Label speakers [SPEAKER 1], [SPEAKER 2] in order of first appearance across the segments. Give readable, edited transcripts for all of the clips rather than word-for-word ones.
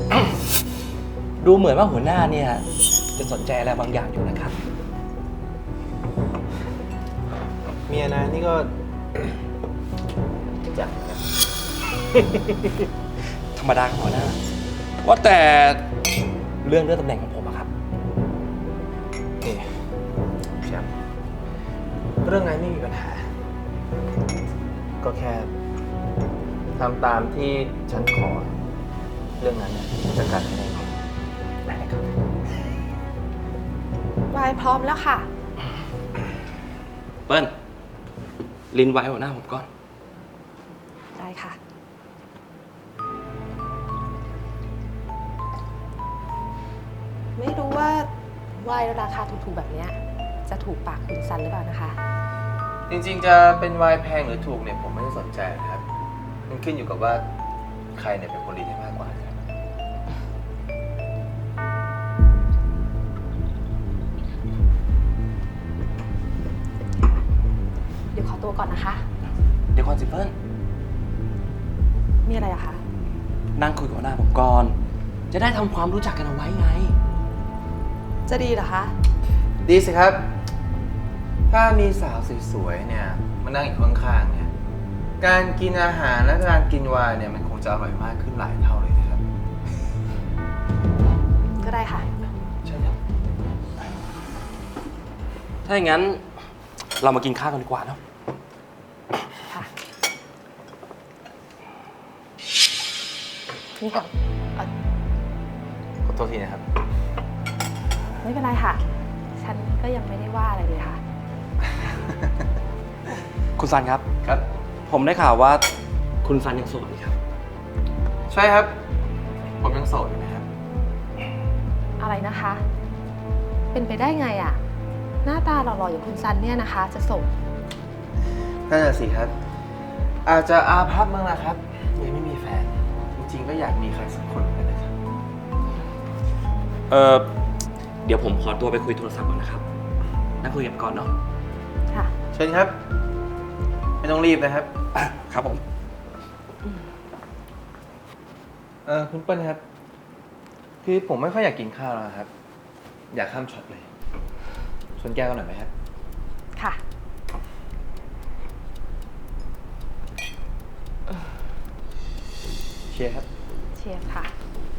[SPEAKER 1] ดูเหมือนว่าหัวหน้าเนี่ยจะสนใจอะไรบางอย่างอยู่นะครับ
[SPEAKER 2] เมียนายนี่ก็ จังนะ
[SPEAKER 1] ธรรมดาของหัวหน้า ว่าแต่เรื่องตำแหน่งของผมอะครับ
[SPEAKER 2] นี่แชมป์เรื่องนั้นไม่มีปัญหา ก็แค่ทำตามที่ฉันขอ เรื่องนั้นเนี่ยจะจัดการให้แน่นอนได้เลยครับ
[SPEAKER 3] วายพร้อมแล้วค่ะ
[SPEAKER 1] เปิ้ลลินไว้หัวหน้าผมก่อน
[SPEAKER 3] ได้ค่ะ ไม่รู้ว่าวายราคาถูกๆแบบเนี้ยจะถูกปากคุณซันหรือเปล่านะคะ
[SPEAKER 2] จริงๆจะเป็นไวน์แพงหรือถูกเนี่ยผมไม่ได้สนใจนะครับ มันขึ้นอยู่กับว่าใครเนี่ยเป็นคนดีได้มากกว่าครับ
[SPEAKER 3] เดี๋ยวขอตัวก่อนนะคะ
[SPEAKER 1] เดี๋ยวก่อนสิเปิ้ล
[SPEAKER 3] มีอะไรอะคะ
[SPEAKER 1] นั่งคุยกับหัวหน้าผมก่อน จะได้ทำความรู้จักกันเอาไว้ไง
[SPEAKER 3] จะดีเหรอคะ
[SPEAKER 2] ดีสิครับ ถ้ามีสาวสวยๆเนี่ยมานั่งอยู่ข้างๆเนี่ย การกินอาหารและการกินไวน์เนี่ยมันคงจะอร่อยมากขึ้นหลายเท่าเลยนะครับ
[SPEAKER 3] ก็ได้ค่ะ
[SPEAKER 2] ใช่ครับ
[SPEAKER 1] ถ้าอย่างนั้นเรามากินข้าวกันดีกว่าเนาะ
[SPEAKER 3] ค่ะ นี่ค่ะเอ่อ
[SPEAKER 2] ขอโทษทีนะครับ
[SPEAKER 3] ไม่เป็นไรค่ะ ฉันก็ยังไม่ได้ว่าอะไรเลยค่ะ
[SPEAKER 1] คุณซันครับ
[SPEAKER 2] ครับ
[SPEAKER 1] ผมได้ข่าวว่าคุณซันยังโสดนี่ครับ
[SPEAKER 2] ใช่ครับ ผมยังโสดอยู่นะครับ
[SPEAKER 3] อะไรนะคะ เป็นไปได้ไงอะหน้าตาหล่อๆอย่างคุณซันเนี่ยนะคะ จะส่ง
[SPEAKER 2] นั่นแหะสิครับ อาจจะอาภัพบ้างนะครับยังไม่มีแฟน จริงๆก็อยากมีใครสักคนเหมือนกันนะครับ
[SPEAKER 1] เดี๋ยวผมขอตัวไปคุยโทรศัพท์ก่อนนะครับ นั่งคุยกันก่อนเนาะ
[SPEAKER 3] ค่ะ
[SPEAKER 2] เชิญครับ ไม่ต้องรีบนะครับ
[SPEAKER 1] ครับผม
[SPEAKER 2] คุณเปิ้ลครับ คือผมไม่ค่อยอยากกินข้าวแล้วครับ อยากข้ามช็อตเลยชวนแก้วกันหน่อยไหมครับ
[SPEAKER 3] ค่ะ
[SPEAKER 2] เชียร์ครับ
[SPEAKER 3] เชียร์ค่ะ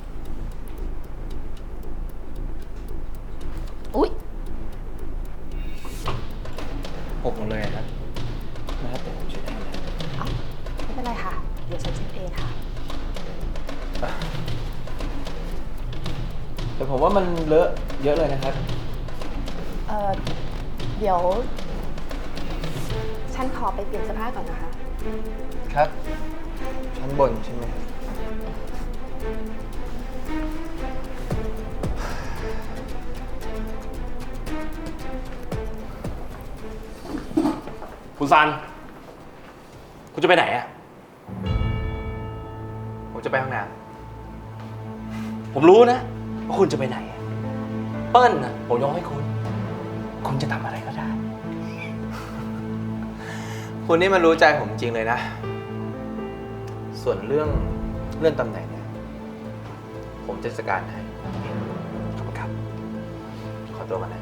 [SPEAKER 3] อุ๊ย
[SPEAKER 2] หกหมดเลยครับนะครับแต่ผมเช็ดให้นะ
[SPEAKER 3] เอ้าไม่เป็นไรค่ะ เดี๋ยวฉันเช็ดเองค่ะ
[SPEAKER 2] แต่ผมว่ามันเลอะเยอะเลยนะครับ
[SPEAKER 3] เดี๋ยว ฉันขอไปเปลี่ยนเสื้อผ้าก่อนนะคะ
[SPEAKER 2] ครับ ชั้นบนใช่ไหมครับ
[SPEAKER 1] คุณซัน คุณจะไปไหนอะ
[SPEAKER 2] ผมจะไปห้องน้
[SPEAKER 1] ผมรู้นะว่าคุณจะไปไหน เปิ้ลนะผมยกให้คุณ คุณจะทำอะไรก็ได้
[SPEAKER 2] ำคุณนี่มันรู้ใจผมจริงเลยนะ ส่วนเรื่องตำแหน่งเนี่ย ผมจะจัดการให้
[SPEAKER 1] ขอบคุณครับ
[SPEAKER 2] ขอตัวมานะ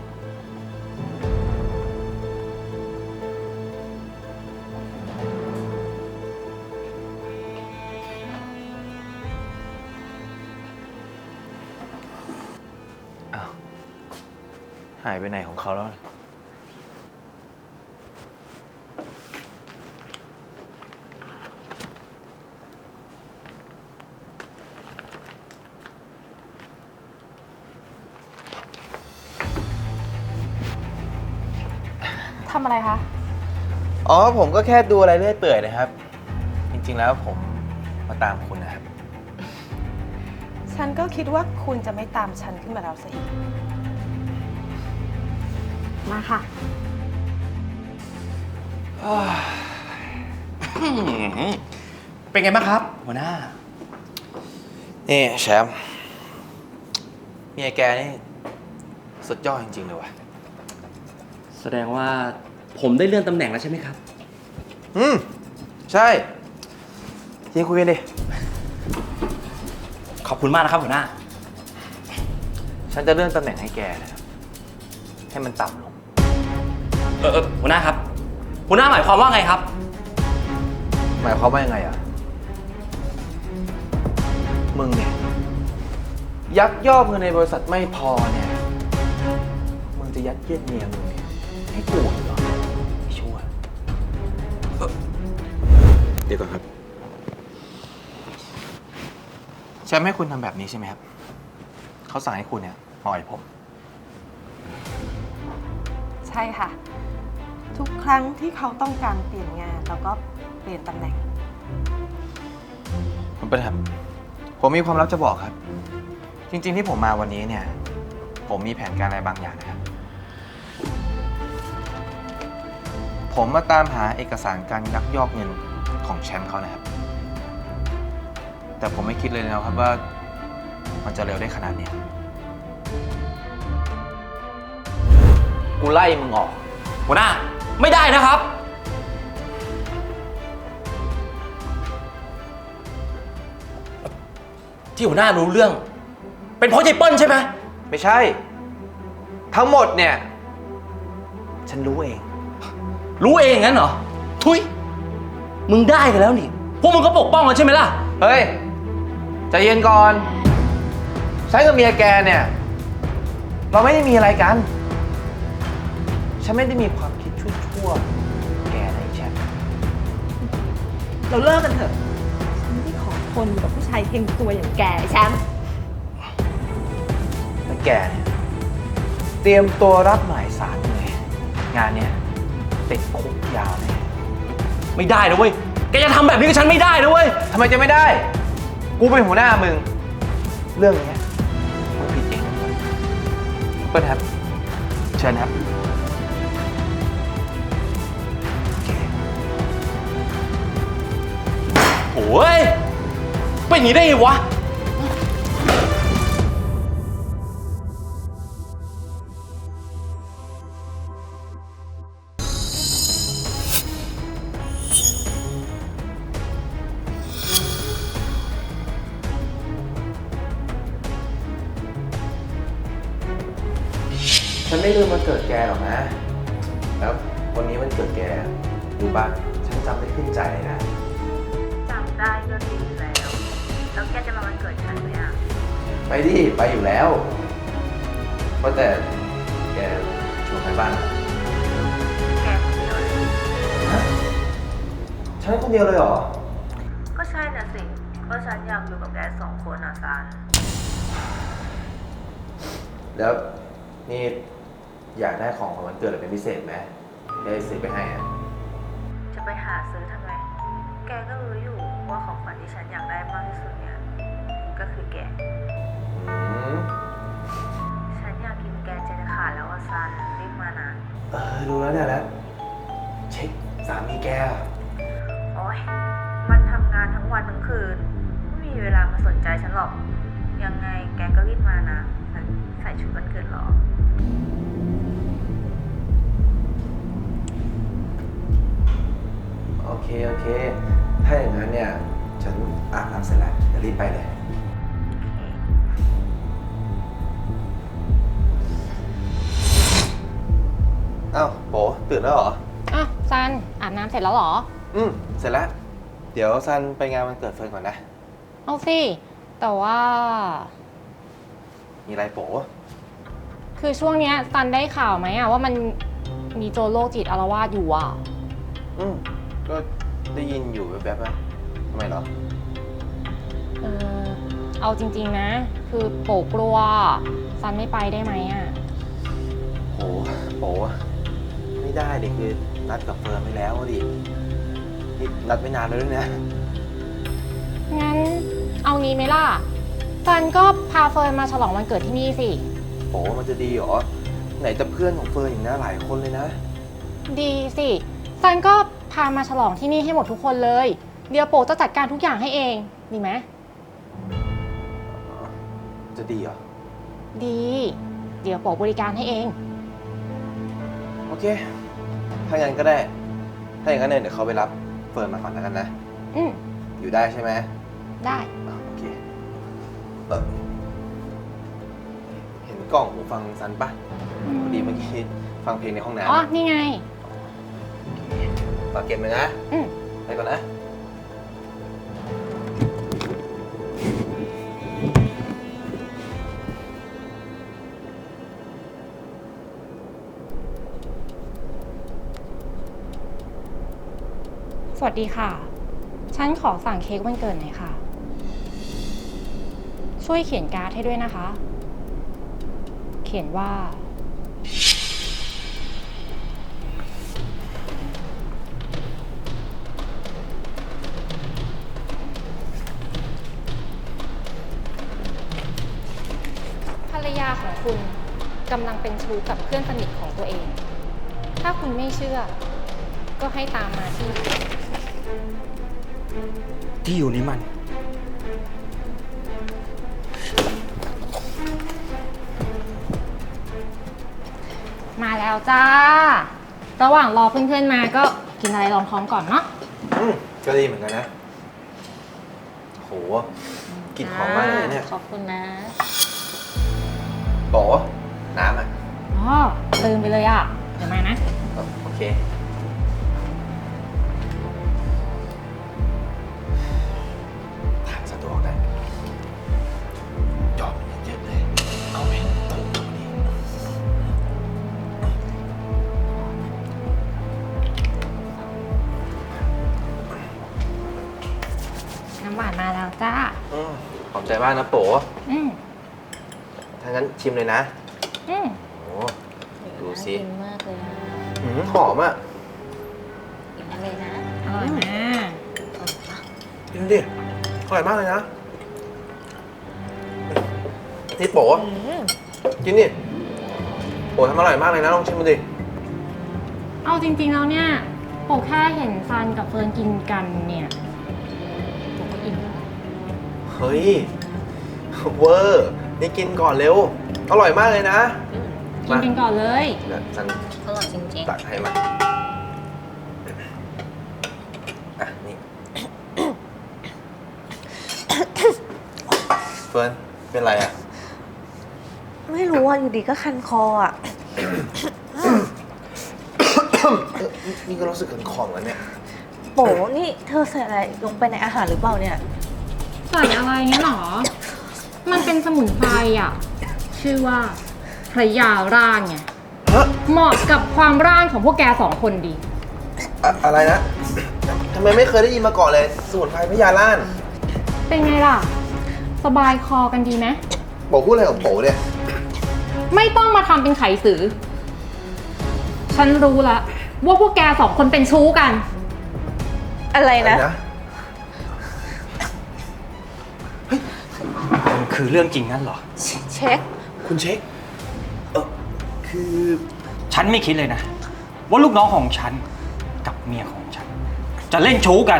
[SPEAKER 2] อ้าว หายไปไหนของเขาแล้ว
[SPEAKER 3] ทำอะไรคะ
[SPEAKER 2] อ๋อ ผมก็แค่ดูอะไรเรื่อยเปื่อยนะครับ จริงๆแล้วผมมาตามคุณนะครับ
[SPEAKER 3] ฉันก็คิดว่าคุณจะไม่ตามฉันขึ้นมาแล้วซะอีก มาค่ะ
[SPEAKER 1] เป็นไงบ้างครับ หัวหน้า
[SPEAKER 2] นี่แชมป์เมียแกนี่สุดยอดจริงๆเลยว่ะ
[SPEAKER 1] แสดงว่าผมได้เลื่อนตำแหน่งแล้วใช่ไหมครับ
[SPEAKER 2] ใช่ ที่คุยกันดิ
[SPEAKER 1] ขอบคุณมากนะครับหัวหน้า
[SPEAKER 2] ฉันจะเลื่อนตำแหน่งให้แกนะครับให้มันต่ำลง
[SPEAKER 1] หัวหน้าครับ หัวหน้าหมายความว่าไงครับ
[SPEAKER 2] หมายความว่ายังไงอ่ะ มึงเนี่ย ยักยอกเงินในบริษัทไม่พอเนี่ย มึงจะยัดเยียดเมียมึงเนี่ยให้กูเหรอไม่ชั่วเดี๋ยวก่อนครับแชมป์ให้คุณทำแบบนี้ใช่ไหมครับ เขาสั่งให้คุณเนี่ยมาอ่อยผม
[SPEAKER 3] ใช่ค่ะ ทุกครั้งที่เขาต้องการเปลี่ยนงานแล้วก็เปลี่ยนตำแหน่ง
[SPEAKER 2] ผมเป็นครับผมมีความลับจะบอกครับ จริงๆที่ผมมาวันนี้เนี่ย ผมมีแผนการอะไรบางอย่างนะครับ ผมมาตามหาเอกสารการยักยอกเงินของแชมป์เขานะครับ แต่ผมไม่คิดเลยนะครับว่ามันจะเร็วได้ขนาดนี้ กูไล่มึงออก
[SPEAKER 1] หัวหน้าไม่ได้นะครับ ที่หัวหน้ารู้เรื่อง เป็นเพราะยายเปิ้ลใช่ไหม
[SPEAKER 2] ไม่ใช่ ทั้งหมดเนี่ย ฉันรู้เอง
[SPEAKER 1] รู้เองงั้นเหรอ ทุยมึงได้กันแล้วนี่ พวกมึงก็ปกป้องกันใช่ไหมล่ะ
[SPEAKER 2] เฮ้ยใจเย็นก่อนฉันกับเมียแกเนี่ย เราไม่ได้มีอะไรกัน ฉันไม่ได้มีความคิดชั่วๆแกนะไอ้แชมป์
[SPEAKER 3] เราเลิกกันเถอะ ฉันไม่ขอทนกับผู้ชายเฮงตัวอย่างแกแชมป์
[SPEAKER 2] และแกเนี่ย เตรียมตัวรับหมายสารเลยงานเนี้ยติดคุกยาวเลย
[SPEAKER 1] ไม่ได้นะเว้ย แกจะทำแบบนี้กับฉันไม่ได้นะเว้ย
[SPEAKER 2] ทำไมจะไม่ได้ กูเป็นหัวหน้ามึง เรื่องเนี้ยมึงผิดเองนะเปิ้ลครับ เชิญครับ
[SPEAKER 1] โอ้ยเป็นอย่างนี้ได้ไงวะ
[SPEAKER 2] ฉันไม่ลืมวันเกิดแกหรอกนะ แล้ววันนี้วันเกิดแกรู้ป่ะฉันจำได้ขึ้นใจเลยนะ
[SPEAKER 4] จำได้ก็ดีแล้ว แล้วแกจะมาวันเกิดฉันไหมอ่ะ
[SPEAKER 2] ไปดิ ไปอยู่แล้วเพราะแต่แกชวนใครบ้างอะ
[SPEAKER 4] แกคนเดียวเลย
[SPEAKER 2] ฮะฉันคนเดียวเลยเหรอ
[SPEAKER 4] ก็ใช่น่ะสิ ก็ฉันอยากอยู่กับแกสองคนอ่ะซัน
[SPEAKER 2] แล้วนี่อยากได้ของขวัญวันเกิดอะไรเป็นพิเศษไหมได้ซื้อไปให้อะ
[SPEAKER 4] จะไปหาซื้อทำไม แกก็รู้อยู่ว่าของขวัญที่ฉันอยากได้มากที่สุดเนี่ย ก็คือแก
[SPEAKER 2] อืม
[SPEAKER 4] ฉันอยากกินแกใจจะขาดแล้วอ่ะซัน รีบมานะ
[SPEAKER 2] รู้แล้วเนี่ยแล้วเช็คสามีแกอะ
[SPEAKER 4] โอ๊ย มันทำงานทั้งวันทั้งคืน ไม่มีเวลามาสนใจฉันหรอก ยังไงแกก็รีบมานะ ฉันใส่ชุดวันเกิดรอ
[SPEAKER 2] โอเค โอเค ถ้าอย่างนั้นเนี่ย ฉันอาบน้ำเสร็จแล้วจะรีบไปเลย อ้าวโบตื่นแล้วเหรอ
[SPEAKER 5] อ่ะซันอาบน้ำเสร็จแล้วเหรอ
[SPEAKER 2] เสร็จแล้ว เดี๋ยวซันไปงานวันเกิดเฟิร์นก่อนนะ
[SPEAKER 5] เอาสิ แต่ว่า
[SPEAKER 2] มีอะไรโบ
[SPEAKER 5] คือช่วงเนี้ยซันได้ข่าวไหมอะว่ามันมีโจรโรคจิตอาละวาดอยู่อะ
[SPEAKER 2] ก็ได้ยินอยู่แวบๆนะทำไมเหรอ
[SPEAKER 5] เออเอาจริงๆนะ คือโปกลัวซันไม่ไปได้ไหมอะ
[SPEAKER 2] โหโบไม่ได้ดิคือนัดกับเฟิร์นไปแล้วดินี่นัดไม่นานเลยด้วยนะ
[SPEAKER 5] งั้นเอางี้ไหมล่ะซันก็พาเฟิร์นมาฉลองวันเกิดที่นี่สิ
[SPEAKER 2] โหมันจะดีเหรอ ไหนจะเพื่อนของเฟิร์นอีกนะหลายคนเลยนะ
[SPEAKER 5] ดีสิซันก็พามาฉลองที่นี่ให้หมดทุกคนเลย เดี๋ยวโปจะจัดการทุกอย่างให้เอง ดีไหม
[SPEAKER 2] จะดีเหรอ
[SPEAKER 5] ดี เดี๋ยวโปบริการให้เอง
[SPEAKER 2] โอเค ถ้างั้นก็ได้ ถ้าอย่างนั้นเนี่ยเดี๋ยวเขาไปรับเฟิร์นมาก่อนแล้วกันนะ
[SPEAKER 5] อืม
[SPEAKER 2] อยู่ได้ใช่ไหม
[SPEAKER 5] ได้
[SPEAKER 2] โอเคเห็นกล่องหูฟังซันปะพอดีเมื่อกี้ฟังเพลงในห้องน้ำ
[SPEAKER 5] อ๋อ นี่ไง
[SPEAKER 2] ฝากเก็บเลยนะ
[SPEAKER 5] อืม
[SPEAKER 2] ไปก่อนนะ
[SPEAKER 5] สวัสดีค่ะ ฉันขอสั่งเค้กวันเกิดหน่อยค่ะ ช่วยเขียนการ์ดให้ด้วยนะคะ เขียนว่า ภรรยาของคุณกำลังเป็นชู้กับเพื่อนสนิทของตัวเอง ถ้าคุณไม่เชื่อ ก็ให้ตามมาที่
[SPEAKER 1] ที่อยู่นี้มัน
[SPEAKER 5] มาแล้วจ้า ระหว่างรอเพื่อนๆมาก็กินอะไรรองท้องก่อนเนาะ
[SPEAKER 2] ก็ดีเหมือนกันนะ โหกลิ่นหอมมากเลยเนี่ย
[SPEAKER 5] ขอบคุณนะ
[SPEAKER 2] โป๋น้ำอ่ะ
[SPEAKER 5] อ๋อลืมไปเลยอ่ะ เดี๋ยวมานะ
[SPEAKER 2] โอเค ทางสะดวกนะยอมเยอะๆเลย เอาไปตึงตรงนี้
[SPEAKER 5] น้ำหวานมาแล้วจ้า
[SPEAKER 2] ขอบใจมากนะโป๋
[SPEAKER 5] อืม
[SPEAKER 2] ถ้างั้นชิมเลยนะ
[SPEAKER 5] อืม
[SPEAKER 2] โอ้ดูสิ
[SPEAKER 3] กินมากเลยนะ
[SPEAKER 2] หอมอ่ะ
[SPEAKER 3] กินอะไรนะ
[SPEAKER 5] อร่อยมาก
[SPEAKER 2] กินดิอร่อยมากเลยนะนี่โป๋กินดิโป๋ทำอร่อยมากเลยนะ ลองชิมมาดิ
[SPEAKER 5] เอาจริงๆแล้วเนี่ยโปแค่เห็นซันกับเฟิร์นกินกันเนี่ยโปก็อิ่มแล้ว
[SPEAKER 2] เฮ้ย เวอร์ นี่กินก่อนเร็ว อร่อยมากเลยนะ
[SPEAKER 5] กินกันก่อนเลย
[SPEAKER 2] เดี๋ยวฉัน
[SPEAKER 3] อร่อยจริง
[SPEAKER 2] ตักให้มาอ่ะ นี่ เฟิร์น เป็นไรอ่ะ
[SPEAKER 4] ๆ ไม่รู้อ่ะ อยู่ดีก็คันคออ่ะ
[SPEAKER 2] นี่ก็รู้สึกขันคอเหมือนกันเนี่ย
[SPEAKER 4] โปนี่เธอใส่อะไรลงไปในอาหารหรือเปล่าเนี่ย
[SPEAKER 5] ใส่อะไรเงี้ยหรอ มันเป็นสมุนไพรอ่ะ ชื่อว่าพระยาร่างไง
[SPEAKER 2] ฮะ
[SPEAKER 5] เหมาะกับความร่างของพวกแกสองคนดี
[SPEAKER 2] อะไรนะ ทำไมไม่เคยได้ยินมาก่อนเลย สมุนไพรพญาล่าน
[SPEAKER 5] เป็นไงล่ะ สบายคอกันดีไหม
[SPEAKER 2] โป๋พูดอะไรของโป๋เนี่ย
[SPEAKER 5] ไม่ต้องมาทำเป็นไขสือ ฉันรู้ละว่าพวกแกสองคนเป็นชู้กัน
[SPEAKER 4] อะไรนะ
[SPEAKER 1] มันคือเรื่องจริงงั้นเหรอ
[SPEAKER 4] เช็ค
[SPEAKER 2] คุณเช็ค คือ
[SPEAKER 1] ฉันไม่คิดเลยนะ ว่าลูกน้องของฉันกับเมียของฉัน จะเล่นชู้กัน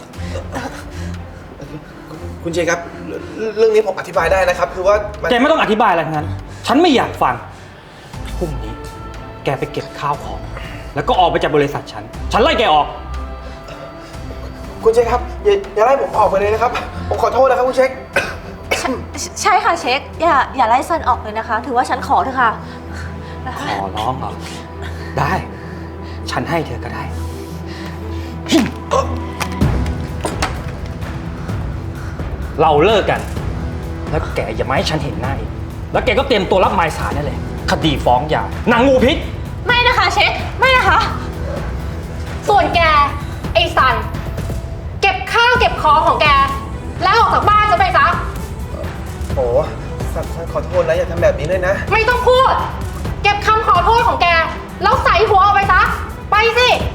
[SPEAKER 2] คุณเช็คครับ เรื่องนี้ผมอธิบายได้นะครับ คือว่ามัน
[SPEAKER 1] แกไม่ต้องอธิบายอะไรทั้งนั้น ฉันไม่อยากฟัง พรุ่งนี้ แกไปเก็บข้าวของ แล้วก็ออกไปจากบริษัทฉัน ฉันไล่แกออก
[SPEAKER 2] คุณเช็คครับ อย่าไล่ผมออกไปเลยนะครับ ผมขอโทษนะครับคุณเช็ค
[SPEAKER 4] ใช่ค่ะเช็ค อย่าไล่ซันออกเลยนะคะ ถือว่าฉันขอเถอะค่ะนะคะ
[SPEAKER 1] ขอร้องเหรอ ได้ ฉันให้เธอก็ได้ เราเลิกกัน แล้วแกอย่ามาให้ฉันเห็นหน้าอีก แล้วแกก็เตรียมตัวรับหมายสารได้เลย คดีฟ้องหย่านางงูพิษ
[SPEAKER 4] ไม่นะคะเช็ค ไม่นะคะ
[SPEAKER 5] ส่วนแก ไอ้สัน เก็บข้าวเก็บของของแก แล้วออกจากบ้านจะไปซะ
[SPEAKER 2] โอ้สันขอโทษนะ อย่าทำแบบนี้เลยนะ
[SPEAKER 5] ไม่ต้องพูด เก็บคำขอโทษของแก แล้วใส่หัวออกไปซะ ไปสิ